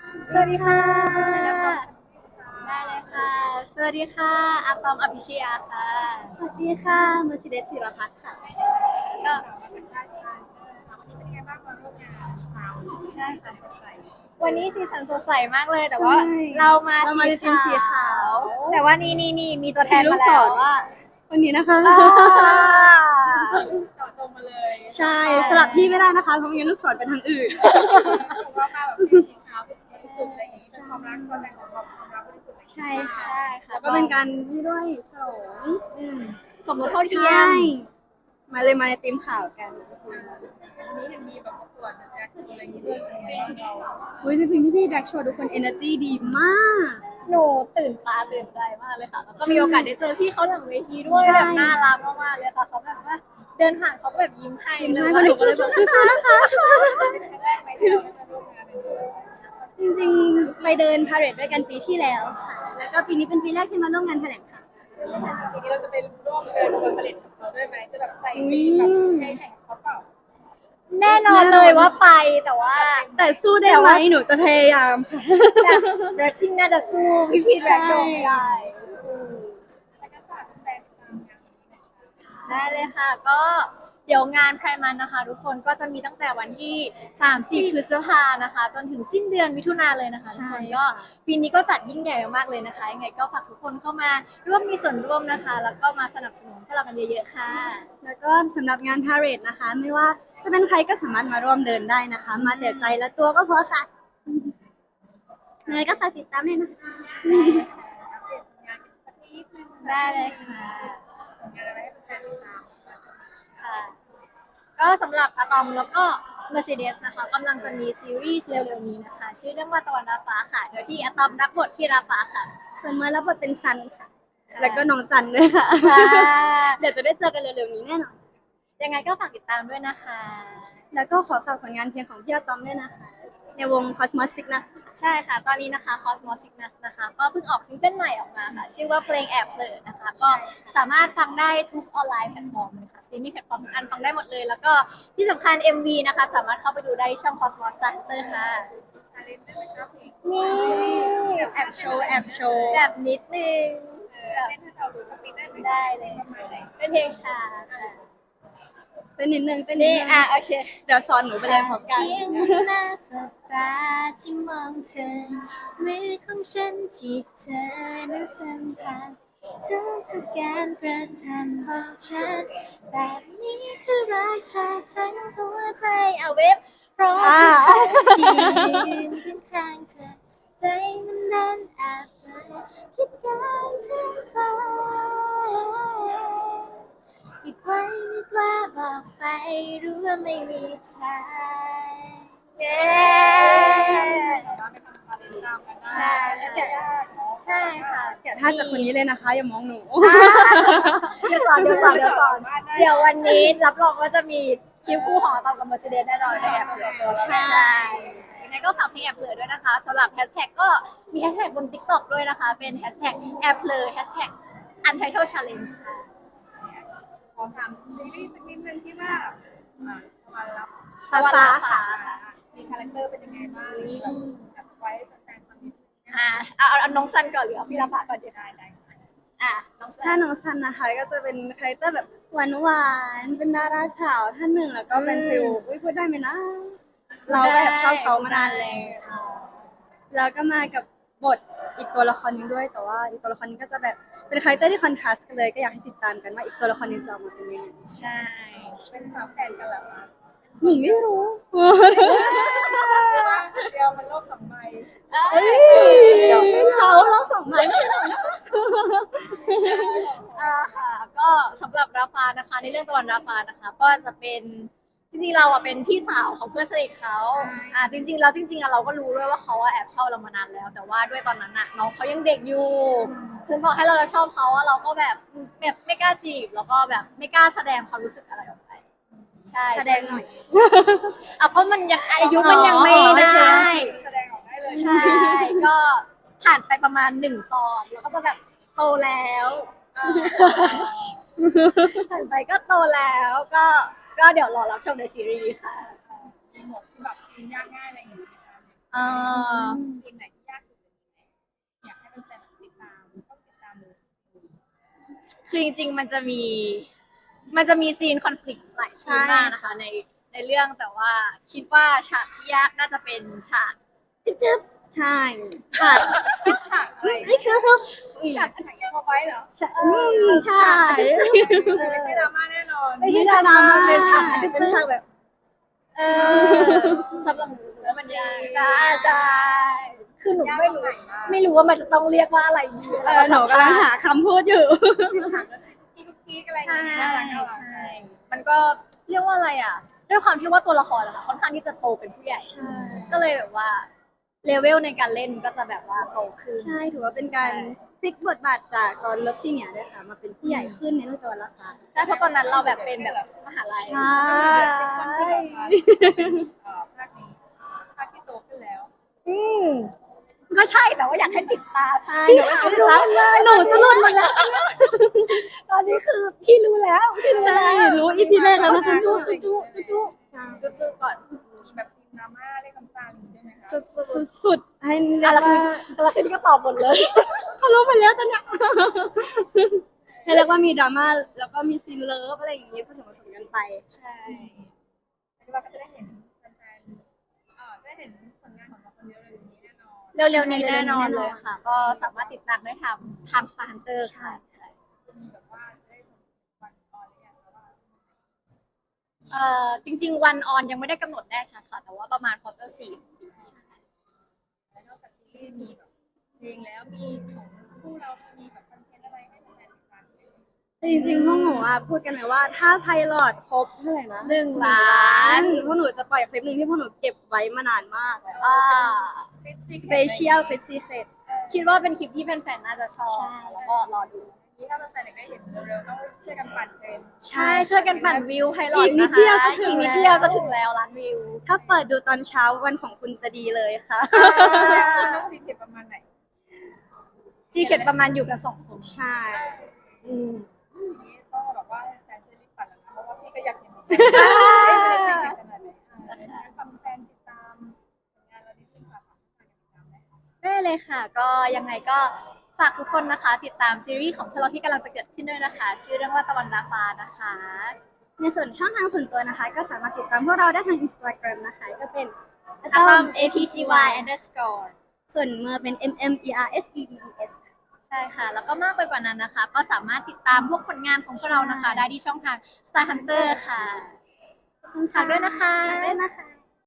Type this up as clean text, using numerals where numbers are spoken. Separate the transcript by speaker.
Speaker 1: สวัสดีค่ะ
Speaker 2: แนะนำตัว
Speaker 1: ได้เลยค่ะ สวัสดีค่ะอาตอมอภิชยาค่ะ
Speaker 2: สวัสดีค่ะเมอร์ซิเดสศิรพัฒน์ค่ะ
Speaker 1: ก็
Speaker 2: วันนี้เป็นยังไงบ้างมาร่วมงานเช้า
Speaker 1: ใช่
Speaker 2: สั
Speaker 1: ค่ะ
Speaker 2: นสดใส
Speaker 1: วันนี้สีสันสดใสมากเลยแต่
Speaker 2: ใช่
Speaker 1: ว่าเรามา
Speaker 2: เรามาในทีมสีขาว
Speaker 1: แต่ว่านี่มีตัวแท
Speaker 2: ชี้
Speaker 1: น
Speaker 2: ลูกศ
Speaker 1: มาแล้ว
Speaker 2: รว่าวันนี้นะคะ
Speaker 1: อ่า
Speaker 2: ต่อตรงมาเลยใช่สลับที่ไม่ได้นะคะเพราะไม่งั้นลูกศรเป็นทางอื่นผมว่ามาแบบเป็นสีขาวเป็นบริสุทธิ์อะไรอย่างนี้เป็นความรักตัวแทนของความรักบริสุทธิ์อะไรอย่างนี้ใช่ค่ะ
Speaker 1: ใช่ค่ะ
Speaker 2: แล้วก็เป็นการนี่ด้วยฉลอง
Speaker 1: อืมสมรสเท่าเทีย
Speaker 2: ใช่
Speaker 1: ม
Speaker 2: มาเลยมาในทีมข่าวกัน
Speaker 3: อันนี้ยังมีแบบประกวดแบบแจ็คอะไรอย่างเงี้ยด้วยเป็นไงบ้างเรา
Speaker 2: อุ้ยจริงๆพี่ๆแดกโชว์ทุกคน energy ดีมาก
Speaker 1: หนูตื่นตาตื่นใจมากเลยค่ะแล้วก็มีโอกาสได้เจอพี่เขาหลังเวทีด้วย
Speaker 2: ใช่
Speaker 1: แบบน่ารักมากๆเลยค่ะเขาแบบว่าเดินผ่านเขาก็แบบยิ้มให้
Speaker 2: ยิ้ม
Speaker 1: เล
Speaker 2: ให้
Speaker 1: ย
Speaker 2: ก็หนูก็เลยบอกสู้ๆนะคะ
Speaker 3: เป็นครั้งแรกไหมที่เราได้มาร่วมงานในนี้
Speaker 2: จริงๆไปเดินพาเหรดด้วยกันปีที่แล้วค่ะ แล้วก็ปีนี้เป็นปีแรกที่มาร่วมงานแถลงข่าว
Speaker 3: ทีนี้เราจะไปร่วมเดินขบวนผลิตของเขาด้วยไหมจะแบบใส่ธีมแบบให้แข่งกับเขาเปล่า
Speaker 1: แน่นอนเลยว่าไปแต่ว่า
Speaker 2: แต่สู้ได้ไหมหนูจะพยายามค่ะ
Speaker 1: แบบ dressing น่าจะสู้พี่ๆแบรนด์โชว์ไม่ได้อืม
Speaker 3: แล้วก็ฝากแฟนๆติดตามงานวันนี้หน่อยค่ะ
Speaker 1: ได้เลยค่ะก็เดี๋ยวงานไพร์มันนะคะทุกคนก็จะมีตั้งแต่วันที่30พฤษภานะคะจนถึงสิ้นเดือนมิถุนาเลยนะคะทุกคนก็ปีนี้ก็จัดยิ่งใหญ่มากๆเลยนะคะยังไงก็ฝากทุกคนเข้ามาร่วมมีส่วนร่วมนะคะ แล้วก็มาสนับสนุนพวกเรากันเยอะๆค่ะ
Speaker 2: แล้วก็สำหรับงานพาเหรดนะคะ ไม่ว่าจะเป็นใครก็สามารถมาร่วมเดินได้นะคะ มาแต่ใจและตัวก็พอค่ะยังไงก็ฝากติดตามด้วยนะคะ
Speaker 3: อัปเดตผลงานกันสักนิดนึง
Speaker 1: ได้เลยค่ะ
Speaker 3: ผลงานอะไรให้แฟนๆติดตาม
Speaker 1: ค่ะ ก็สำหรับอะตอมแล้วก็ Mercedes นะคะกำลังจะมีซีรีส์เร็วๆนี้นะคะ ชื่อเรื่องว่าตะวันรับฟ้าค่ะโดยที่อะตอมรับบทที่รับฟ้าค่ะ
Speaker 2: ส่วนเมื่อรับบทเป็นซันค่ะ แล้วก็น้องจันด้วยค่ะ
Speaker 1: ค่ะ
Speaker 2: เดี๋ยวจะได้เจอกันเร็วๆนี้แน่นอน
Speaker 1: ยังไงก็ฝากติดตามด้วยนะคะ
Speaker 2: แล้วก็ขอฝากผลงานเพลงของพี่อาตอมด้วยนะคะ ในวง Cosmos Sickness ค่ะ
Speaker 1: ใช่ค่ะ ตอนนี้นะคะ Cosmos Sickness นะคะ ก็เพิ่งออกซิงเกิลใหม่ออกมาค่ะ ชื่อว่าเพลงแอบเผลอนะคะ ก็สามารถฟังได้ทุกออนไลน์แพลตฟอร์มเลยค่ะสตรีมมิ่งแพลตฟอร์มทุกอันฟังได้หมดเลย แล้วก็ที่สำคัญ MV นะคะ สามารถเข้าไปดูได้ช่อง Cosmos Starter ค่ะ
Speaker 3: มีชาเลนจ์ด้วยไหมครับเพลง
Speaker 1: นี่
Speaker 2: แอบโชว์แอบโชว์
Speaker 1: แบบนิดนึงแบบ
Speaker 3: เต้นให้เราดูสักนิดได้ไหม
Speaker 1: ได้เลย
Speaker 3: ประมาณไหน
Speaker 1: เป็นเพลงช้าค่ะ
Speaker 2: เป็นนิดนึงเป็นนิด
Speaker 1: นี่
Speaker 2: นึง
Speaker 1: โอเค
Speaker 2: เดี๋ยวสอนหนูไปเลยพร้อมกัน
Speaker 1: เพียงหน้าสบตาที่มองเธอมือของฉันที่เธอนั้นสัมผัสทุกการกระทำบอกฉันแบบนี้คือรักเธอทั้งหัวใจเอาเว็บเพราะทุกครั้งที่ยืนข้างๆเธอใจมันนั้นแอบเผลอคิดการขึ้นไปปิดไว้ไม่กล้าบอกไปรู้ว่าไม่มีทางเย้
Speaker 3: สามารถไปทำชาเลนจ์ตามกันได้
Speaker 1: ใช่ใช่ค่ะ
Speaker 2: แกะท่าจากคนนี้เลยนะคะ อย่ามองหนู
Speaker 1: เดี๋ยวสอนเดี๋ยววันนี้รับรองว่าจะมีคลิปคู่ของอาตอมกับ Mercedes แน่นอนในแอปเสือใช่ยังไงก็ฝากเพลงแอบเผลอด้วยนะคะสำหรับแฮชแท็กก็มีแฮชแท็กบน TikTok ด้วยนะคะ เป็นแฮชแท็กแอบเผลอแฮชแท็ก Untitled Challenge ค่ะ
Speaker 3: ขอถามซีรีส์สักนิดนึงที่ว่ามารับ
Speaker 1: ตะวันรับฟ้า
Speaker 3: มีคาแรคเตอร์เป็นยังไงบ้างแบบไว้แฟนๆฟังนิดนึง
Speaker 1: เอาน้องซันก่อนหรือเอาพี่ลาฟ้าก่อนดีคะน้องซั
Speaker 2: ถ้าน น้องซันนะคะก็จะเป็นคาแรคเตอร์แบบหวานๆ เป็นดาราสาวท่านหนึ่งแล้วก็เป็นฟิลอุ้ยพูดได้ไหมนะ เราก็แอบชอบเขามานานแล้ว แล้วก็มากับบทอีกตัวละครหนึงด้วย แต่ว่าอีกตัวละครนี้ก็จะแบบเป็นคาแรคเตอร์ที่คอนทราสต์กันเลยก็อยากให้ติดตามกันว่าอีกตัวละครนี้จะออกมาเป็นยังไง
Speaker 1: ใช่
Speaker 3: เป็นฝาแฝดกันเหรอคะ
Speaker 2: หนูไม่รู้
Speaker 3: เดียวมันโลกสองใบ
Speaker 2: เฮ้ยเขาเราสองไม้ไม่ใช่เหรอ
Speaker 1: ค่ะก็สำหรับราฟานะคะในเรื่องตะวันราฟานะคะ ก็จะเป็นจริงๆเราเป็นพี่สาวของเพื่อนสนิทเขาจริงๆเราก็รู้ด้วยว่าเขาแอบชอบเรามานานแล้ว แต่ว่าด้วยตอนนั้นน้องเขายังเด็กอยู่ถึงบอกให้เราชอบเขาเราก็แบบไม่กล้าจีบแล้วก็แบบไม่กล้าแสดงความรู้สึกอะไรออกไปใช่
Speaker 2: แสดงหน่อย
Speaker 1: เพราะมันยังอายุมันยังไม่ได้
Speaker 3: แสดงออกได้เลย
Speaker 1: ใช่ก็ผ่านไปประมาณ1 ตอนแล้วก็จะแบบโตแล้วผ่านไปก็โตแล้วก็เดี๋ยวรอรับชมในซีรีส์ค่ะ
Speaker 3: มีหมวดที่แบบซีนยากง่ายอะไรอย่างเงี้ย
Speaker 1: เอ่อคือจริงๆมันจะมีซีนคอนฟ lict หลายซีนมากนะคะในเรื่องแต่ว่าคิดว่าฉากที่ยากน่าจะเป็นฉากจึ๊บ
Speaker 2: ใช่ค่ะ
Speaker 3: ฉากอะไร
Speaker 1: ๆนี่คือฉาก
Speaker 3: ฉากพอไว้เหรอ
Speaker 2: ใช่
Speaker 3: ไม่ใช่ดราม่าแน่นอน
Speaker 1: ไม่ใช่ดราม่าเป็นฉาก
Speaker 2: เป็นฉากแบบ
Speaker 1: เออสำหรับหนูแล้วมันยากใช่คือหนูไม่รู้ว่ามันจะต้องเรียกว่าอะไรดี
Speaker 2: หนูกำลังหาคำพูดอยู่
Speaker 3: ฉากก็คือกุ๊กกิ๊กอะไรอย่าง
Speaker 1: ใช่
Speaker 3: เงี้ยน่ารักน่ารัก
Speaker 1: ใช่มันก็เรียกว่าอะไรอ่ะด้วยความที่ว่าตัวละครอะค่ะค่อนข้างที่จะโตเป็นผู้ใหญ่ ก็เลยแบบว่าเลเวลในการเล่นก็จะแบบว่าโตขึ้น
Speaker 2: ใช่ถือว่าเป็นการพลิกบทบาทจากตอนเลิฟซีเนียด้วยค่ะมาเป็นผู้ใหญ่ขึ้นในเรื่องตัวละคร
Speaker 1: ใช่เพราะตอนนั้นเราแบบเป็นแบบมหาลัย
Speaker 2: ใช่
Speaker 3: ภาคนี้ภาคที่โตขึ้นแล้ว
Speaker 1: อืมก็ใช่แต่ว่าอยากให้ติดตาม
Speaker 2: ใช่หนูก็ติดตามหนูจะหลุดหมดแล้ว
Speaker 1: ตอนนี้คือพี่รู้แล้วพี่รู้
Speaker 2: ใช่
Speaker 1: แล้ว
Speaker 2: รู้อีพีแรกแล้วนะ
Speaker 1: จุ๊จุ๊จุ๊
Speaker 2: ใช่
Speaker 1: จุ๊ก่อน
Speaker 3: มีแบบซีนดราม่าเล่นน้ำตาอย่างนี้ได้ไหมคะ
Speaker 1: สุด
Speaker 2: สุดๆให้เรีย
Speaker 1: ๆ
Speaker 2: ก
Speaker 1: แล้วคื
Speaker 2: ว่า
Speaker 1: แล้วคือนี่ก็ตอบหมดเลย
Speaker 2: เขารู้หมดแล้วตอนเนี้ยให้เรียกว่ามีดราม่าแล้วก็มีซีนเลิฟอะไรอย่างงี้ผสมกันไป
Speaker 1: ใช่
Speaker 3: คิดว่าก็จะได้เห็นแฟนๆได้เห็นผลงานของเราคนเดียวเลยนี้แน่นอน
Speaker 1: เร็วๆนี้แน่นอนเลยค่ะ ก็สามารถติดตามได้ทาง Star Hunter ค่ะใช่
Speaker 3: จะมีแบบว่าจะได้วันออนหรือยังคะว่า
Speaker 1: จริงๆวันออนยังไม่ได้กำหนดแน่ชัดค่ะ แต่ว่าประมาณควอเตอร์4ของปีนี้ค่ะ
Speaker 3: แล้วนอกจากซีรีส์มีแบบเพลงแล้วมีของคู่เรามีแบบคอนเทนต์อะไรให้แฟนๆติดตามไหม
Speaker 2: แต่จริงๆพวกหนูอ่ะพูดกันไว้ว่าถ้าไพลอตครบเท่าไหร่นะ
Speaker 1: 1 ล้าน
Speaker 2: พวกหนูจะปล่อยคลิปหนึ่งที่พวกหนูเก็บไว้มานานมาก
Speaker 1: อ่า
Speaker 3: คลิปซี
Speaker 2: สเปเชียลคลิปซีเครต
Speaker 1: คิดว่าเป็นคลิปที่แฟนๆน่าจะชอบแล้วก็รอดู
Speaker 3: นี้ถ้าแฟนๆอยากได้เห็นเร็วๆต้องช่วยกันปั่นเทรนด์
Speaker 1: ใช่ช่วยกันปั่นวิวไพลอต
Speaker 2: อีกนิ
Speaker 1: นะ
Speaker 2: ด
Speaker 1: คะ
Speaker 2: เดียวจะถึ
Speaker 1: อี
Speaker 2: ง
Speaker 1: กนิด
Speaker 2: แล้ว
Speaker 1: เดียวจะถึงแล้วล้านวิว
Speaker 2: ถ้าเปิดดูตอนเช้าวันของคุณจะดีเลยค่ะ
Speaker 3: ต้องซีเค็ดประมาณไหน
Speaker 1: ซีเค็ดประมาณอยู่กัน2 คน
Speaker 2: ใช่
Speaker 1: อืม
Speaker 3: ทีนี้ต้องแบบว่าแฟนช่วยรีบปั่นแล้วนะเพราะว่าพี่ก็อยากเห็นเหมือนกันได้เป็นซีเค็ดขนาดไหนฟังแฟนติดตามผลงานเราดีขึ้นค่ะฝากติดตามได้
Speaker 1: ได้เลยค่ะ ก็ยังไงก็ฝากทุกคนนะคะ ติดตามซีรีส์ของพวกเราที่กำลังจะเกิดขึ้นด้วยนะคะ ชื่อเรื่องว่าตะวันดาฟ้านะคะ
Speaker 2: ในส่วนช่องทางส่วนตัวนะคะ ก็สามารถติดตามพวกเราได้ทาง Instagram นะคะ ก็เป็น
Speaker 1: atom apcy underscore
Speaker 2: ส่วนเมื่อเป็น mmerdsedes
Speaker 1: ใช่ค่ะ แล้วก็มากไปกว่านั้นนะคะ ก็สามารถติดตามพวกผลงานของพวกเรานะคะ ได้ที่ช่องทาง Star Hunter ค่ะขอบคุณค่ะด้วยนะคะ
Speaker 2: ด้วยนะคะ